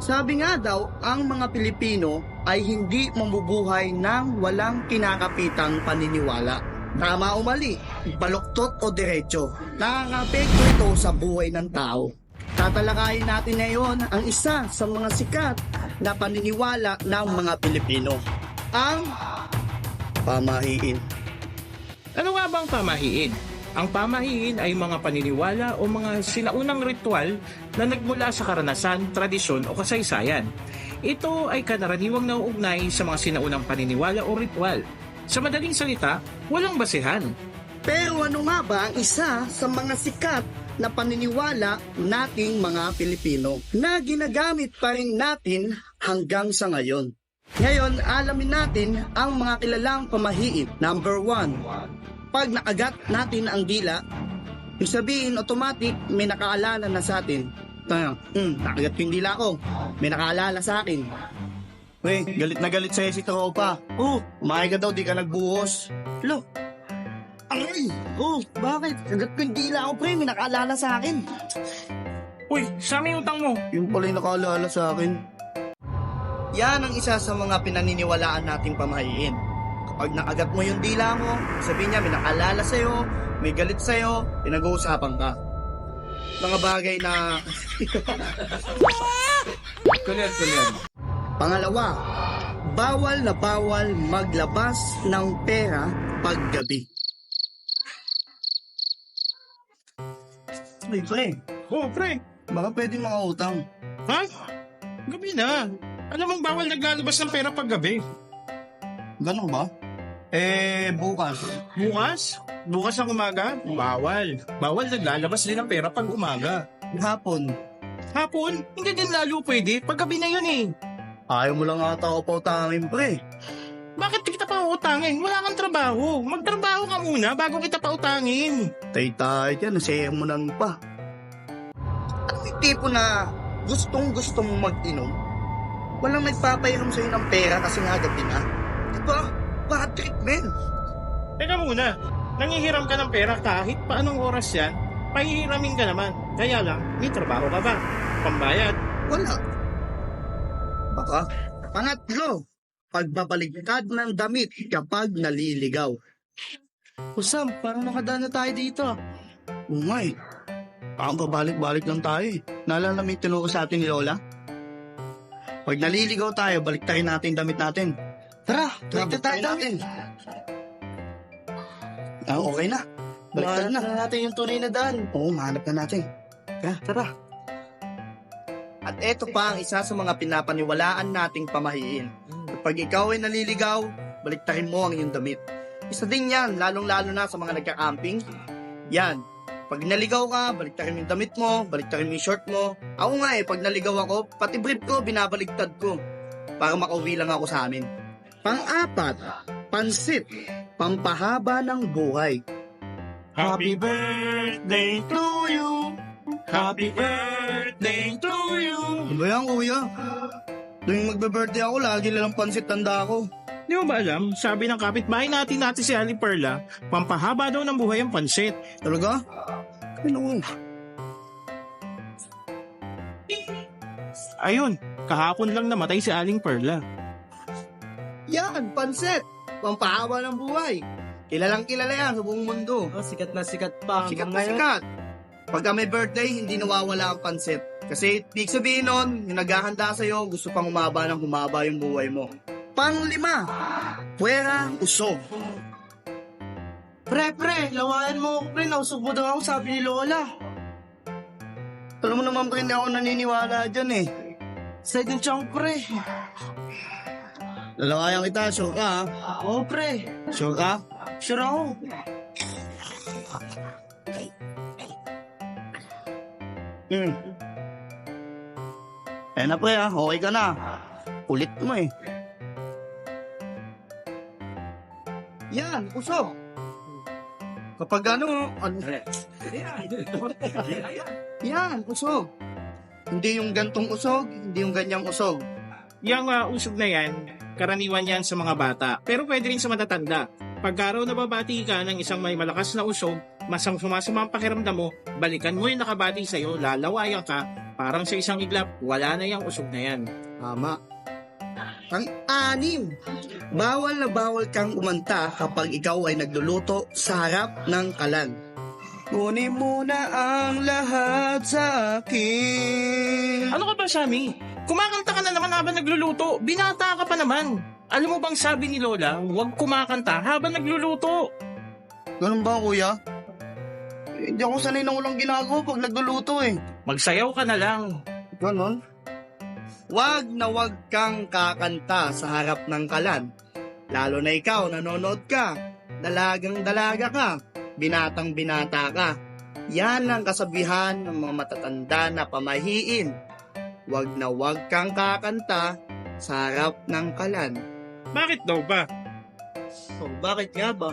Sabi nga daw, ang mga Pilipino ay hindi mabubuhay ng walang kinakapitang paniniwala. Tama o mali, baluktot o diretso, nakakapekto ito sa buhay ng tao. Tatalakayin natin ngayon ang isa sa mga sikat na paniniwala ng mga Pilipino, ang pamahiin. Ano nga bang pamahiin? Ang pamahiin ay mga paniniwala o mga sinaunang ritual na nagmula sa karanasan, tradisyon o kasaysayan. Ito ay karaniwang nauugnay sa mga sinaunang paniniwala o ritual. Sa madaling salita, walang basehan. Pero ano nga ba ang isa sa mga sikat na paniniwala nating mga Pilipino na ginagamit pa rin natin hanggang sa ngayon? Ngayon, alamin natin ang mga kilalang pamahiin. Number 1. Pag nakagat natin ang dila, yung sabihin automatic may nakaalala na sa atin. Nakagat ko yung dila ko, may nakaalala sa akin. Wey, galit na galit sa'yo si Tropa. Umahay ka daw, di ka nagbuhos. Lo, aray! Bakit? Kagat ko yung dila ko, pre, may nakaalala sa akin. Uy, saan yung utang mo? Yung pala yung nakaalala sa akin. Yan ang isa sa mga pinaniniwalaan nating pamahiin. Kapag nakagat mo yung dila mo, sabihin niya may nakaalala sa'yo, may galit sa'yo, pinag-uusapan ka. Mga bagay na... Kulit. Pangalawa, bawal na bawal maglabas ng pera paggabi. Pre, Pre. baka pwede mga utang. Ha? Gabi na. Alam mong bawal naglalabas ng pera pag gabi. Ganun ba? Bukas. Bukas? Bukas ng umaga? Bawal. Bawal naglalabas din ng pera pag umaga. Hapon. Hapon? Hindi din lalo pwede. Pag gabi na yun eh. Ayaw mo lang ata ako pautangin, pre. Bakit kita pa utangin? Wala kang trabaho. Magtrabaho ka muna bago kita pa utangin. Tay-tay dyan, nasemonan pa. Ano yung tipo na gustong-gusto mong mag-inom? Walang nagpapainom sa'yo ng pera kasi nga gabi na. Diba? Bad treatment. Teka muna. Nangihiram ka ng pera kahit pa anong oras yan, pahihiramin ka naman. Kaya lang, may trabaho ka ba? Pambayad? Wala. Baka. Pangatlo, pagbabaligtad ng damit kapag naliligaw. Sam, parang nakadaan na tayo dito. Oo nga eh. Parang babalik-balik lang tayo eh. Naalala mo yung tinuro sa atin ni Lola? Pag naliligaw tayo, baliktarin natin yung damit natin. Tara, baliktad tayo natin. Okay na. Baliktad na. Mahanap na natin yung tunay na daan. Oo, mahanap na natin. Tara. At eto pa ang isa sa mga pinapaniwalaan nating pamahiin. Kapag ikaw ay naliligaw, baliktarin mo ang iyong damit. Isa din yan, lalong-lalo na sa mga nagka-camping. Yan, pag naligaw ka, baliktarin mo yung damit mo, baliktarin mo yung short mo. Ako nga pag naligaw ako, pati brief ko, binabaligtad ko. Para makauwi lang ako sa amin. Pang-apat, pansit, pampahaba ng buhay. Happy birthday to you. Happy birthday to you. Ano ba yan, kuya? Tuwing magbe-birthday ako, lagi lang pansit tanda ako. Di mo ba alam, sabi ng kapitbahay natin si Ali Perla, pampahaba daw ng buhay ang pansit. Talaga? Ano? Ayun, kahapon lang namatay si Aling Perla. Yan, pansit! Pampahaba ng buhay. Kilalang kilala yan sa buong mundo. Sikat na sikat pa. Sikat na sikat. Pagka may birthday, hindi nawawala ang pansit. Kasi, ibig sabihin nun, yung naghahanda sa'yo, gusto pang humaba ng humaba yung buhay mo. Panglima, puwera usog. Pre, lawayan mo ako, pre. Nausog mo daw ako, sabi ni Lola. Alam mo naman pre, hindi ako naniniwala dyan eh. Side ng chunk, pre. Lalawayan kita, sure ka ha? Oo, pre. Sure ka? Sure ako. Eh na pre ha, okay ka na. Ulit mo eh. Yan, usog. Kapag yan, usog. Hindi yung gantong usog, hindi yung ganyang usog. Yung usog na yan, karaniwan yan sa mga bata, pero pwede rin sa matatanda. Pagka raw nababati ka ng isang may malakas na usog, masang sumasama ang pakiramdam mo, balikan mo yung nakabati sa'yo, lalawayan ka, Parang sa isang iglap, wala na yung usog na yan. Tama. Pang-anim, bawal na bawal kang umanta kapag ikaw ay nagluluto sa harap ng kalan. Kunin mo na ang lahat sa akin. Ano ka ba, Sammy? Kumakanta ka na naman habang nagluluto. Binata ka pa naman. Alam mo bang sabi ni Lola, huwag kumakanta habang nagluluto. Ganun ba, kuya? Hindi ako sanay na walang ginagawa pag nagluluto eh. Magsayaw ka na lang. Ganon? Wag na wag kang kakanta sa harap ng kalan. Lalo na ikaw, nanonood ka. Dalagang dalaga ka. Binatang binata ka. Yan ang kasabihan ng mga matatanda na pamahiin. Wag na wag kang kakanta sa harap ng kalan. Bakit daw ba? Oh, bakit nga ba?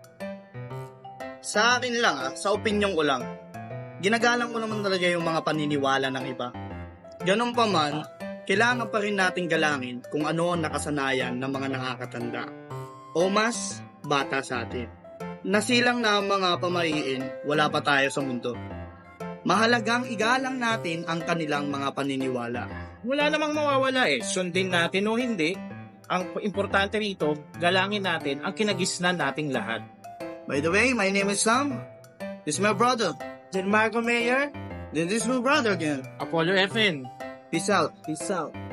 Sa akin lang sa opinion ko lang, ginagalang ko naman talaga yung mga paniniwala ng iba. Ganun pa man, kailangan pa rin nating galangin kung ano ang nakasanayan ng mga nakakatanda o mas bata sa atin. Nasilang na ang mga pamahiin, wala pa tayo sa mundo. Mahalagang igalang natin ang kanilang mga paniniwala. Wala namang mawawala eh. Sundin natin o hindi. Ang importante rito, galangin natin ang kinagisnan nating lahat. By the way, my name is Sam. This is my brother. Then Marco Mayor, Then this is my brother again. Apollo FN. Peace out. peace out.